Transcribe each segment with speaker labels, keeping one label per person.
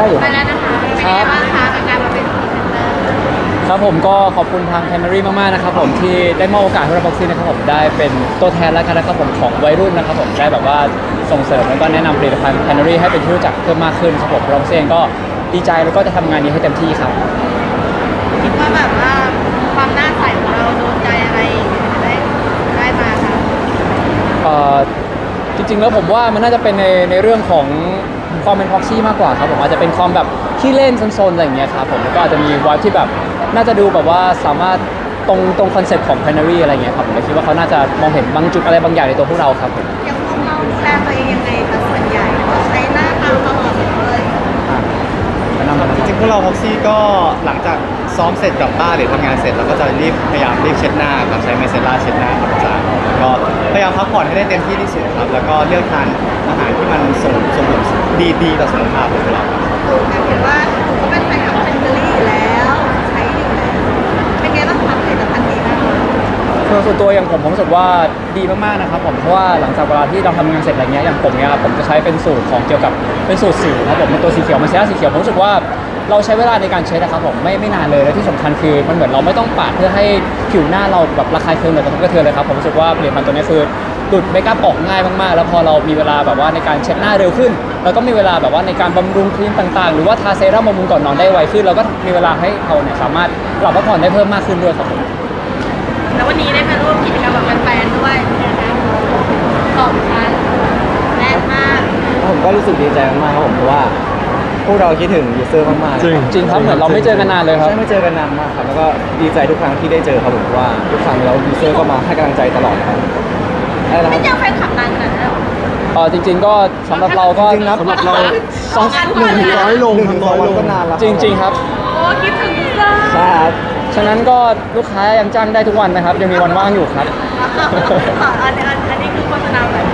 Speaker 1: อยู่
Speaker 2: ไปแล้วนะคะเป็นยังไงบ้างคะกับการมาเป็นพรีเซนเตอร์
Speaker 1: ครับผมก็ขอบคุณทาง Canary มากๆนะครับผมที่ได้มอบโอกาสให้เราบ็อกซี่นะครับผมได้เป็นตัวแทนแล้วกันนะครับผมของวัยรุ่นนะครับผมได้แบบว่าส่งเสริมแล้วก็แนะนำผลิตภัณฑ์ Canary ให้เป็นที่รู้จักเพิ่มมากขึ้นครับผมเราเองก็ดีใจแล้วก็จะทำงานนี้ให้เต็มที่ครับ
Speaker 2: คิดว่าแบบว่าความหน้าใสของเราโดนใจอะไรได้มาคะ
Speaker 1: จริงๆแล้วผมว่ามันน่าจะเป็นในเรื่องของความเป็นพ็อกซี่มากกว่าครับผมอาจจะเป็นความแบบขี้เล่นซนๆอะไรอย่างเงี้ยครับผมแล้วก็อาจจะมีวายที่แบบน่าจะดูแบบว่าสามารถตรงคอนเซ็ปต์ของ Canary อะไรเงี้ยครับผมเลยคิดว่าเขาน่าจะมองเห็นบางจุดอะไรบางอย่างในตัวพวกเราครับผม
Speaker 2: ยังพวกเราดูแลตัวเองยังไงคะส่วนใหญ่เราใช้หน้าตาตลอดเลย
Speaker 1: แนะนำนะค
Speaker 3: จ
Speaker 1: รับ
Speaker 3: ริงๆพวกเราพ็อกซี่ก็หลังจากซ้อมเสร็จกลับบ้านหรือทำงานเสร็จเราก็จะพยายามรีบเช็ดหน้าครับใช้ไมเซล่าเช็ดหน้าครับอาจารย์แล้วก็พยายามพักผ่อนให้ได้เต็มที่ที่สุดครับแล้วก็เลือกทานอาหารที่มันส่งผลดีต่อสุขภาพของเราครับ
Speaker 2: เห็นว่าหนูก็เป็นแฟนคลับเซนเบอรี่อยู่แล้วใช้อยู่แล้วเป็นไงบ้างคะผลิตภัณฑ์ดีมาก
Speaker 1: ส่วนตัวอย่างผมรู้สึกว่าดีมากๆนะครับผมเพราะว่าหลังจากเวลาที่เราทำงานเสร็จอะไรเงี้ยอย่างผมเนี่ยผมจะใช้เป็นสูตรของเกี่ยวกับเป็นสูตรสิวครับผมเป็นตัวสีเขียวมันเซรั่มสีเขียวผมรู้สึกว่าเราใช้เวลาในการเช็ดนะครับผมไม่นานเลยและที่สำคัญคือมันเหมือนเราไม่ต้องปาดเพื่อให้ผิวหน้าเราแบบระคายเคืองหรือกระทบกระเทือนเลยครับผมรู้สึกว่าผลิตภัณฑ์ตัวนี้คือดูดเมคอัพออกง่ายมากๆแล้วพอเรามีเวลาแบบว่าในการเช็ดหน้าเร็วขึ้นแล้วก็มีเวลาแบบว่าในการบำรุงครีมต่างๆหรือว่าทาเซรั่มบำรุงก่อนนอนได้ไวขึ้นเราก็มีเวลาให้เราเนี่ยสามารถหลับพักผ่อนได้เพิ่มมากขึ้นด้วยครับผม
Speaker 2: แล้ววันนี้ได้มาร่วมกิจกรรมกับแฟนๆด้วยนะคะขอบคุณแน่นมาก
Speaker 4: ผมก็รู้สึกดีใจมากๆครับผมเพราะว่าพวกเราคิดถึงยูเซอร์มากๆ
Speaker 1: จริงครับเหมือนเราไม่เจอกันนานเลยครับ
Speaker 4: ใช่ไม่เจอกันนานมากครับแล้วก็ดีใจทุกครั้งที่ได้เจอครับผมเพราะว่าทุกครั้งแล้วยูเซอร์ก็มาให้กำลังใจตลอดนะครับอะไรนะค
Speaker 2: ไม่
Speaker 4: รับ
Speaker 2: เจอแฟนคลับนานขนาดนั้นหรอ
Speaker 1: จริง ๆ ก็สำหรับเราก็
Speaker 4: จริงๆนะสำหรับเรา
Speaker 2: สองงานทุกวันเลย
Speaker 4: 100 ลง100 วันก็นานแล้ว
Speaker 1: จริง ๆ ครับ
Speaker 2: โอ้คิดถึงจ้า
Speaker 4: ใช่ครับ
Speaker 1: ฉะนั้นก็ลูกค้ายังจ้างได้ทุกวันนะครับยังมีวันว่างอยู่ครับ
Speaker 2: อันนี้คือโฆษณาแบบ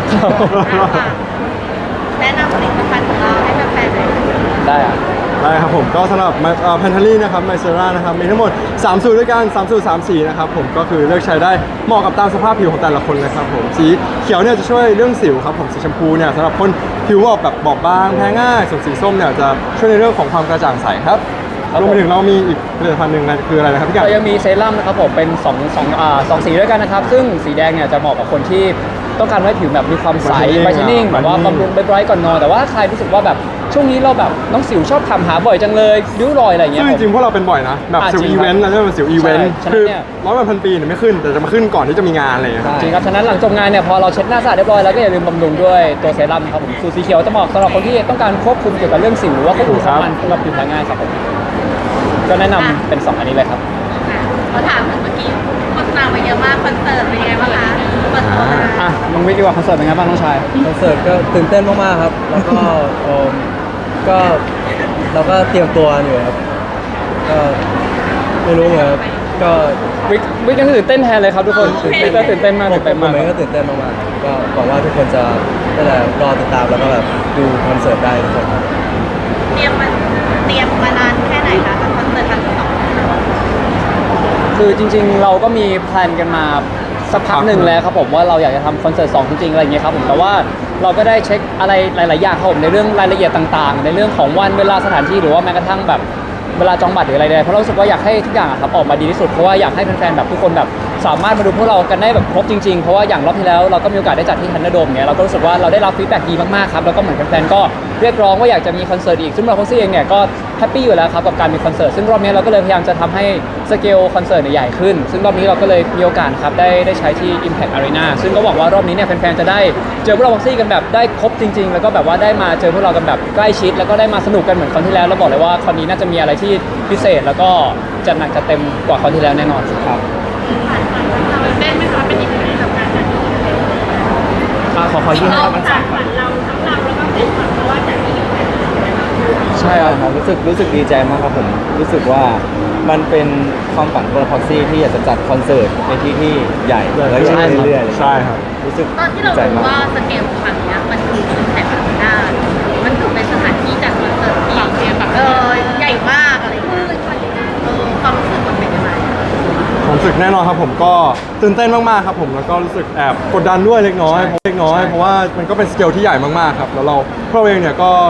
Speaker 2: แนะนำผลิตภัณฑ์ของเราให้แฟนๆเลย
Speaker 1: ได้อะ
Speaker 5: ได้ครับผมก็สำหรับแพนทารี่นะครับไมเซรานะครับมีทั้งหมด3สูตรด้วยกัน3สูตร3สีนะครับผมก็คือเลือกใช้ได้เหมาะกับตามสภาพผิวของแต่ละคนเลยครับผมสีเขียวเนี่ยจะช่วยเรื่องสิวครับผมสีชมพูเนี่ยสำหรับคนผิวออกแบบบอบบางแพ้ง่ายส่วนสีส้มเนี่ยจะช่วยในเรื่องของความกระจ่างใสครับรวมไปถึงเรามีอีกผลิตภัณฑ์หนึ่งคืออะไรนะครับพี่กั
Speaker 1: เรา
Speaker 5: น
Speaker 1: ยังมีเซรั่มนะครับผมเป็น2 สีด้วยกันนะครับซึ่งสีแดงเนี่ยจะเหมาะกับคนที่ต้องการให้ผิวแบบมีความใส
Speaker 5: Brightening
Speaker 1: ไบรท์นิ่งแบบว่า
Speaker 5: Brightening
Speaker 1: บำรุงไบรท์ก่อนนอนแต่ว่าใครรู้สึกว่าแบบช่วงนี้เราแบบน้องสิวชอบถามหาบ่อยจังเลยริ้วรอยอะไรอย่างเงี้
Speaker 5: ซึ่
Speaker 1: ย
Speaker 5: งจริงๆพวกเราเป็นบ่อยนะแบบสิว
Speaker 1: จริ
Speaker 5: อี
Speaker 1: งครับ
Speaker 5: เวนต์เราเรียกว่าสิวอีเวนต์
Speaker 1: ใช่ฉะนั้น
Speaker 5: คือ
Speaker 1: เนี่ย
Speaker 5: 100 วัน1,000 ปีเนี่ยไม่ขึ้นแต่จะมาขึ้นก่อนที่จะมีงานอะไรอย่างเงี้ยครับ
Speaker 1: จริงครับฉะนั้นหลังจบงานเนี่ยพอเราเช็ดหน้าสะอาดเรียบร้อยแล้วก็อย่าลืมบำรุงด้วยตัวเซรั่มครับผมสูตรสีเขียวจะเหมาะสำหรับคนที่ต้องการควบคุมเกี่ยวกับเรื่องสิวหรือว่าควบคุมความมันสำหรับผิวแพ้ง่ายครับผมก็แนะนำเป็น2 อันนี้เลยครับ
Speaker 2: เขาถามถึงเมื่อกี้โฆษณามาเยอะมากคอนเสิร์ตเป็นยังไงบ้างคะเปิดตัวมา
Speaker 1: อ่ะน้องวิทย์ดีกว่าคอนเสิร์ตเป็นไงบ้างน้องชาย
Speaker 4: คอนเสิร์ตก็ตื่นเต้นมากๆครับ แล้วก็ก็เราก็เตรียมตัวอยู่ครับก็ไม่รู้เหมือนกันก็
Speaker 1: วิทย์ยังตื่นเต้นแทนเลยครับทุกคนวิทย์ก็ตื่นเต้นมากตื่นเต้น
Speaker 4: ผม
Speaker 1: มาก
Speaker 4: เองก็ตื่นเต้นมากๆครับก็หวังว่าทุกคนจะนั่นแหละรอติดตามแล้วก็แบบดูคอนเสิร์ตได้ทุกคนครับ
Speaker 2: เตรียมมานานแค่ไหนคะกับคอนเสิร์ตครั้งที่ 2
Speaker 1: คือจริงๆเราก็มีแพลนกันมาสักพักหนึ่งแล้วครับผมว่าเราอยากจะทำคอนเสิร์ต2จริงๆอะไรอย่างเงี้ยครับผมแต่ว่าเราก็ได้เช็คอะไรหลายๆอย่างครับผมในเรื่องรายละเอียดต่างๆ ในเรื่องของวันเวลาสถานที่หรือว่าแม้กระทั่งแบบเวลาจองบัตรหรืออะไรใดเพราะเรารู้สึกว่าอยากให้ทุกอย่างอะครับออกมาดีที่สุดเพราะว่าอยากให้แฟนๆแบบทุกคนแบบสามารถมาดูพวกเรากันได้แบบครบจริงๆเพราะว่าอย่างรอบที่แล้วเราก็มีโอกาสได้จัดที่ทันเดอร์โดมเนี่ยเราก็รู้สึกว่าเราได้รับฟีดแบ็กดีมากๆครับแล้วก็เหมือนแฟนๆก็เรียกร้องว่าอยากจะมีคอนเสิร์ตอีกซึ่งเราพ็อกซี่เองเนี่ยก็แฮปปี้อยู่แล้วครับกับการมีคอนเสิร์ตซึ่งรอบนี้เราก็เลยพยายามจะทำให้สเกลคอนเสิร์ตเนี่ยใหญ่ขึ้นซึ่งรอบนี้เราก็เลยมีโอกาสครับได้ใช้ที่ Impact Arena ซึ่งก็หวังว่ารอบนี้เนี่ยแฟนๆจะได้เจอพวกเราพ็อกซี่กันแบบได้ครบจริงๆแล้วก็แบบว่าได้มาเจอพวกเรากันแบบใกล้ชิดแล้วก็ได้มาสนุกกันเหมือนครั้งที่แล้วแล้วบอกเลยว่าคราวนี้น่าจะมีอะไรที่พิเศษแล้วก็จัดหนักจัดเต็มกว่าคราวที่แล้วแน่นอนครับ
Speaker 2: เต้นไหมคะเป็นอีกหนึ่งกับการจัด
Speaker 1: ขอยื่นให้ครับ
Speaker 2: จากฝันเราทั้งเราแล้วก็เป็นฝันเพราะว่าจากที่อยู่
Speaker 1: ใช่ครับ
Speaker 4: รู้สึกดีใจมากครับผมรู้สึกว่ามันเป็นความฝันของพ็อกซี่ที่อยากจะจัดคอนเสิร์ตในที่ที่ใหญ่แล้วใหญ่เรื่อยๆ
Speaker 5: ใช่ครับ
Speaker 4: รู้สึก
Speaker 2: ตอนที่เรา
Speaker 4: ดีใจ
Speaker 2: รู้
Speaker 4: มาก
Speaker 2: ว่าสเกลครั้งนี้มันคือแต่ละหน้ามันถือเป็นสถานที่จัดคอนเสิร์ตที่ใหญ่มากอะไรอย่างเงี้ยความรู้สึกมันเป็นยังไง
Speaker 5: ผมรู้สึกแน่นอนครับผมก็ตื่นเต้นมากๆครับผมแล้วก็รู้สึกแอบกดดันด้วยเล็กน้อยเพราะว่ามันก็เป็นสเกลที่ใหญ่มากๆครับแล้วพวกเราเองเนี่ยก็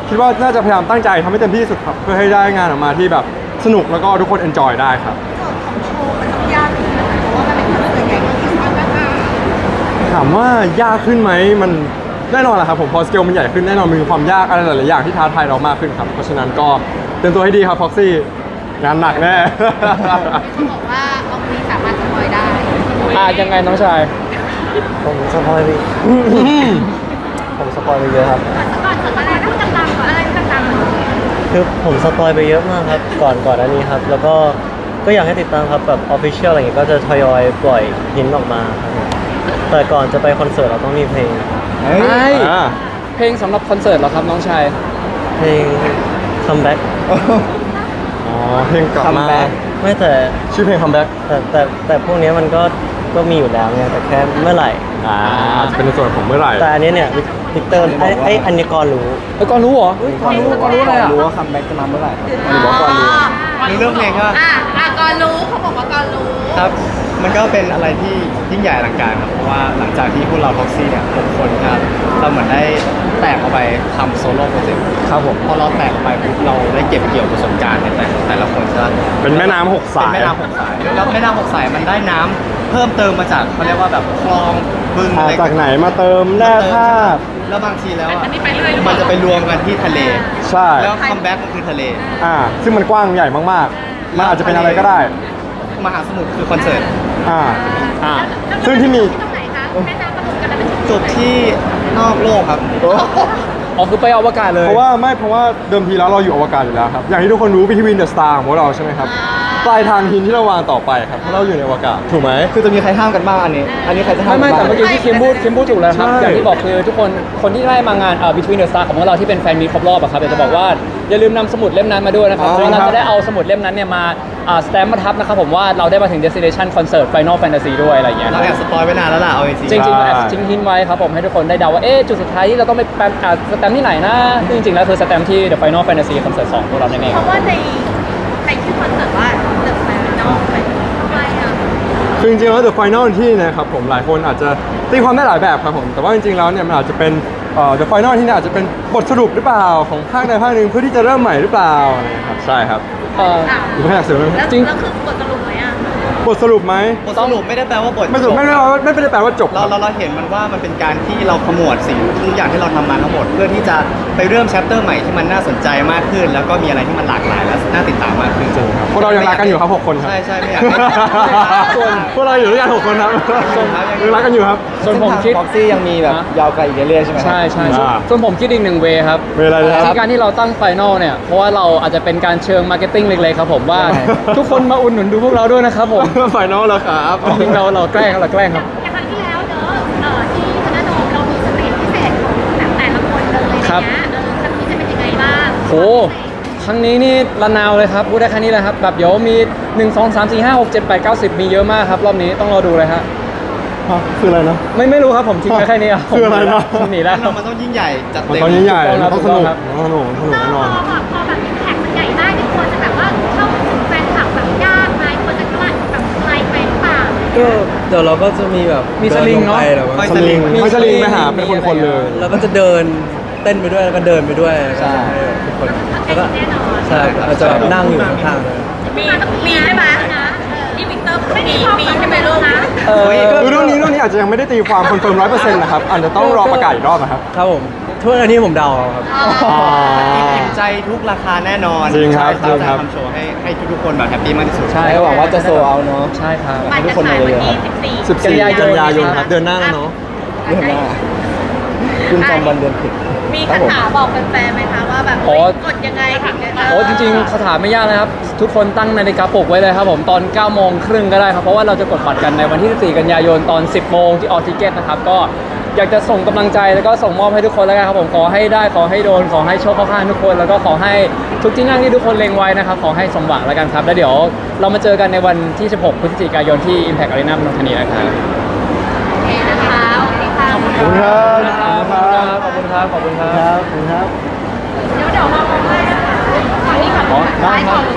Speaker 5: คิดว่าน่าจะพยายามตั้งใจทำให้เต็มที่ที่สุดครับเพื่อให้ได้งานออกมาที่แบบสนุกแล้วก็ทุกคนเอนจอยได้ครับ
Speaker 2: ยากขึ้นนะคะเพราะว่ามันเป็นคอนเสิร์ตใหญ่ก็คือความยาก
Speaker 5: ถามว่ายากขึ้นไหมมันแน่นอนแหละครับผมพอสเกลมันใหญ่ขึ้นแน่นอนมีความยากอะไรหลายๆอย่างที่ท้าทายเรามากขึ้นครับเพราะฉะนั้นก็เตรียมตัวให้ดีครับพ็อกซี่งานหนักแน่
Speaker 2: เขาบอกว่าออกนี้สามารถสปอยได้
Speaker 1: ยังไงน้องชาย
Speaker 4: ผมสปอยไปผมสปอยไปเยอะครับ
Speaker 2: ก่อนเสร็จอะไรต้องดังๆก่อนอะไรต้องดังๆก่อน
Speaker 4: คือผมสปอยไปเยอะมากครับก่อนอันนี้ครับแล้วก็อยากให้ติดตามครับแบบออฟฟิเชียลอะไรอย่างเงี้ยก็จะทยอยปล่อยหินออกมาครับผมแต่ก่อนจะไปคอนเสิร์ตเราต้องมีเพลง
Speaker 3: เฮ้ย
Speaker 5: อ่า
Speaker 1: เพลงสำหรับคอนเสิร์ตเหรอครับน้องชาย
Speaker 4: เพลง comeback
Speaker 5: อ๋อเพลงกลับมา
Speaker 4: ไม่แต่
Speaker 5: ชื่อเพลง comeback
Speaker 4: แต่พวกเนี้ยมันก็มีอยู่แล้วไงแต่แค่เมื่อไหร่
Speaker 5: อาจจะเป็นในส่วนของเมื่อไหร่
Speaker 4: แต่อันนี้เนี่ยวิกเตอร์ไอ้อันนี้ก่อนรู้
Speaker 1: ก่อนรู้เหรอก่อนรู้อะไรอ่ะ
Speaker 4: รู้ว่าคัมแบ็กจะมาเมื่อไหร่
Speaker 3: รู้เรื่องเพลงก็
Speaker 2: ก่อนรู้เขาบอกว่าก่อนรู้
Speaker 3: ครับ มันก็เป็นอะไรที่ยิ่งใหญ่อลังการครับ เพราะว่าหลังจากที่พวกเราท็อกซี่เนี่ย6คนครับเราเหมือนได้แตกออกไปทำโซโล่โปรเจกต์
Speaker 5: ครับผม
Speaker 3: พอเราแตกออกไปปุ๊บเราได้เก็บเกี่ยวประสบการณ์ในแต่ละคนใช่ไหม
Speaker 5: เป็นแม่น้ำหก
Speaker 3: เป็น
Speaker 5: สาย
Speaker 3: แม่น้ำหกสายแล้วแม่น้ำหกสายมันได้น้ำเพิ่มเติมมาจากเขาเรียกว่าแบบคลองบึง
Speaker 5: อ่าจากไหนมาเติมแร่ธาตุ
Speaker 3: แล้วบางทีแล้วอะ
Speaker 2: อันนี้ไปเรื่อยหรือเป
Speaker 3: มั
Speaker 2: ล่า
Speaker 3: นจะไปรวมกันที่ทะเล
Speaker 5: ใช่
Speaker 3: แล้วคัมแบ็กมันคือทะเล
Speaker 5: ซึ่งมันกว้างใหญ่มากๆมันอาจจะเป็นอะไรก็ได้
Speaker 3: มหาสมุทรคือคอนเสิร์ต
Speaker 5: อ่า
Speaker 1: อ่า
Speaker 5: ซึ่งที่มี
Speaker 2: ตรงไหนคะแม่น้ำประดุกกันแล้วเป็น
Speaker 3: จบที่นอกโลกครับ
Speaker 1: อ๋อคือไปอวกาศเลย
Speaker 5: เพราะว่าเดิมทีแล้วเราอยู่อวกาศอยู่แล้วครับ อย่างที่ทุกคนรู้ Between the Star ของพวกเราใช่ไหมครับ ปลายทางหินที่เราวางต่อไปครับเพราะเราอยู่ในอวกาศถูกไหม
Speaker 3: คือจะมีใครห้ามกันบ้างอันนี้ อันนี้ใครจะห้าม
Speaker 1: ไม่
Speaker 3: กัน
Speaker 1: แต่
Speaker 3: บ้าง
Speaker 1: เมื่อกี้ที่คิมพูดถูกแล้วครับ
Speaker 5: ใช่
Speaker 1: อย่างที่บอกคือทุกคนที่ได้มางานBetween the Star ของพวกเราที่เป็นแฟนมีตครบรอบอะครับอยากจะบอกว่าอย่าลืมนำสมุดเล่มนั้นมาด้วยนะครับเพราะว่าเราจะได้เอาสมุดเล่มนั้นเนี่ยมาสแตมป์มาทับนะครับผมว่าเราได้มาถึง Destination Concert Final Fantasy ด้วยอะไรอย่างเงี้ย
Speaker 3: เราแอบสปอยไว้นานแล้วล่ะเอาจริง
Speaker 1: จริงๆเราแอบทิ้งหินไว้ครับผมให้ทุกคนได้เดาว่าจุดสุดท้ายที่เราต้องไปสแตมป์ที่ไหนนะซึ่งจริงๆแล้วคือสแตมป์ที่ The Final Fantasy Concert 2พวกเรานั่นเอง
Speaker 2: เพ
Speaker 1: ครับ
Speaker 2: ราะว่าในชื่อคอนเสิร์ตว่า The Final เป็นทำไมอ่ะ
Speaker 5: คือจริงๆแล้ว The Final ที่นะครับผมหลายคนอาจจะตีความได้หลายแบบครับผมแต่ว่าจริงๆแล้วเนี่ยมันอาจจะเป็นThe Final ที่เนี่ยอาจจะเป็นบทสรุปหรือเปล่าของภาคใดภาคหนึ่งเพื่อที่จะเริ่มใหม่หรือเปล่าอะไรอย่างเงี้ยครับใช่ครับ หรือไม่อยากเสริมไหม
Speaker 2: แล้ว
Speaker 1: จริง
Speaker 2: แล้วคือบทสรุปไหมอ่ะ
Speaker 5: บทสรุปไหม
Speaker 3: ๆบทสรุปไม่ได้แปลว่าบท
Speaker 5: ไม่สรุปไม่ได้แปลว่าจบค
Speaker 3: เรา
Speaker 5: รับ
Speaker 3: เราเห็นมันว่ามันเป็นการที่เราขมวดสิ่งทุกอย่างที่เราทำมาทั้งหมด เพื่อที่จะไปเริ่มแชปเตอร์ใหม่ที่มันน่าสนใจมากขึ้น แล้วก็มีอะไรที่มันหลากหลายและน่าติดตามมากขึ้น
Speaker 5: พวกเรายังรักกันอยู่ครับ6 คนครับ
Speaker 3: ใช่ใช่ไม่อยากให้
Speaker 5: ส่วนพวกเราอยู่ด้วยกัน6 คนครับยังรักกันอยู่ครับ
Speaker 1: ส่วนผมคิด
Speaker 4: บ็อกซี่ยังมีแบบยาวไกลอีกเรื่อยๆใช่ไหม
Speaker 1: ใช่ใช่
Speaker 5: อ่า
Speaker 1: ส่วนผมคิดอีกหนึ่งเวครับ
Speaker 5: เวลาเลยครับ
Speaker 1: ที่การที่เราตั้งไฟนอลเนี่ย เพราะว่าเราอาจจะเป็นการเชิงมาร์เก็ตติ้งเล็กๆครับผมว่า ทุกคนมาอุดหนุนดูพวกเราด้วยนะครับผม
Speaker 5: ไฟนอลแล้วครับ
Speaker 1: จริงๆเราแกล้งครับ
Speaker 2: อย่างครั้งที่แล้วเนอะที่คณะโดมเรามีสเตจพิเศษของแต่ละคนเลยนะครั้งนี้จะเป็นยังไงบ้าง
Speaker 1: โหครั้งนี้นี่ระนาวเลยครับพูดได้แค่นี้เลยครับแบบเดี๋ยวมี 1 2 3 4 5 6 7 8 9 10 มีเยอะมากครับรอบนี้ต้องรอดูเลยฮะ
Speaker 5: คืออะไรนะ
Speaker 1: ไม่รู้ครับผมทิ้งไว้แค่นี้ครับ
Speaker 5: คืออะไรนะ
Speaker 1: ผมหนีแล้ว
Speaker 3: มันต้องยิ่งใหญ่จัด
Speaker 5: มัน
Speaker 3: เต็ม
Speaker 5: ต้องยิ่งใหญ่
Speaker 1: ถูกต้อง
Speaker 5: มันต้องสนุก
Speaker 1: ครับ
Speaker 5: มันต้องสนุกแน่นอน
Speaker 2: พอแบบแท็กมันใหญ่ได้เนี่ยควรจะแบบว่าเข้าถึงแฟนคลับแบบยากไหมควรจะแบบไกลไปหรือเปล่า
Speaker 4: ก็เดี๋ยวเราก็จะมีแบบ
Speaker 1: มีสลิงเนอะ
Speaker 4: ดิลงไป
Speaker 5: สลิง
Speaker 1: มี
Speaker 5: ไม่สลิงไปหา
Speaker 1: มี
Speaker 5: เป็นคนๆเลย
Speaker 4: แล้วก็จะเดินเต้นไปด้วยแล้วก็เดินไปด้วยแล้วก็จะให้ทุกคนแล้วก็
Speaker 2: แน่นอน
Speaker 4: ใช่อาจจะแบบนั่งอยู่ข้างๆเลย
Speaker 2: มีใช่ไหมนี่วิกเตอร์มีใช่ไหมลูกนะ
Speaker 5: คือเรื่องนี้อาจจะยังไม่ได้ตีความคอนเฟิร์ม100%นะครับอาจจะต้องรอประกาศอีกรอบนะครับ
Speaker 4: ครับผมทุกอันนี้ผมเดาเอาครับ
Speaker 3: อิ่มใจทุกราคาแน่นอน
Speaker 5: จริงครับ
Speaker 3: ใช่
Speaker 5: จริงครับ
Speaker 3: ทำโชว์ให้ทุกๆคนแบบแฮปปี้มากที่สุด
Speaker 1: ใช่
Speaker 4: หวังว่าจะโซลเอาท์เนอะ
Speaker 1: ใช่ครับ
Speaker 2: บัตรจะขายวันที่14
Speaker 5: 14
Speaker 1: กันยายน
Speaker 5: ครับเดือนหน้าแล้วเนาะ
Speaker 4: เดือนหน้าคุณจำวันเดือนผิด
Speaker 2: มีคาถาบอกแฟนๆไหมคะว่าแบบ
Speaker 1: อ๋อ
Speaker 2: กดยังไงถึงจะ
Speaker 1: โอ้จริงๆคาถาไม่ยากนะครับ ทุกคนตั้งนาฬิกาปลุกไว้เลยครับผมตอน 9:30 ก็ได้ครับ เพราะว่าเราจะกดบัตรกันในวันที่ 14 กันยายนตอน 10 โมงที่ออทิเกตนะครับ ก็อยากจะส่งกำลังใจแล้วก็ส่งมอบให้ทุกคนแล้วกันครับผมขอให้ได้ขอให้โดนขอให้โชคเข้าข้างทุกคน แล้วก็ขอให้ทุกที่นั่งที่ทุกคนเล็งไว้นะครับขอให้สมหวังแล้วกันครับแล้วเดี๋ยวเรามาเจอกันในวันที่ 16 พฤศจิกายนที่ Impact Arena นนทบุรีนะครับ
Speaker 2: โอเคนะคะโอเคค่ะ
Speaker 5: ขอบคุณครับ
Speaker 1: ขอบคุณครับ ขอบคุณครับ
Speaker 4: ครับครับ
Speaker 2: เดี๋ยวเราให้ก่อนนี้ก่อน
Speaker 1: อ๋อได้
Speaker 2: ขาย
Speaker 1: ค
Speaker 2: ข
Speaker 1: รั
Speaker 2: อบ ง